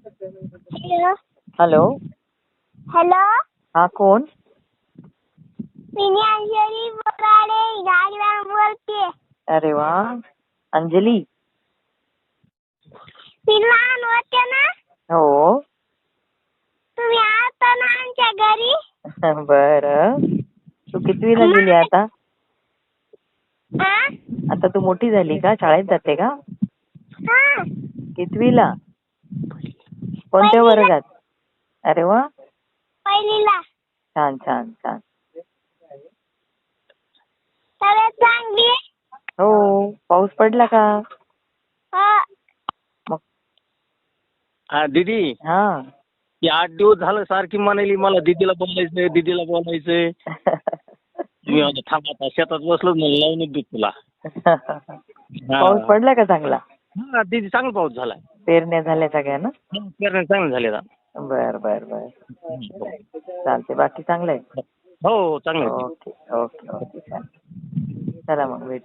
Hello. Hello. Hello. हा, कोण? मी अंजली बोराडे गाडीवर बोलते. अरे वा, अंजली. मी लहान होते ना, हो. तुम्ही आता ना आमच्या घरी. बर. तू कितवीला गेली आता? हा? आता तू मोठी झाली का? शाळेत जाते का? हा. कितवीला? कोणत्या पहिलीला. वर्गात? अरे वा, पहिलीला. छान छान छान. तब्येत चांगली आहे? हो. पाऊस पडला का? हो. मग हा दीदी, हा. ती 8 दिवस झालं सारखी म्हणाली मला दीदीला बोलायचंय, दीदीला बोलायचंय. मी आता थांब, आता शेतात बसलो म्हणून लावूनच देऊ तुला. पाऊस पडला का चांगला? हा दीदी, चांगला पाऊस झाला. पेरण्या झाल्या सगळ्या ना? पेरण्या चांगले झाले आता. बर बर बर. चालते. बाकी चांगलं आहे? हो चांगलं आहे. Okay okay okay. चला मग भेटू.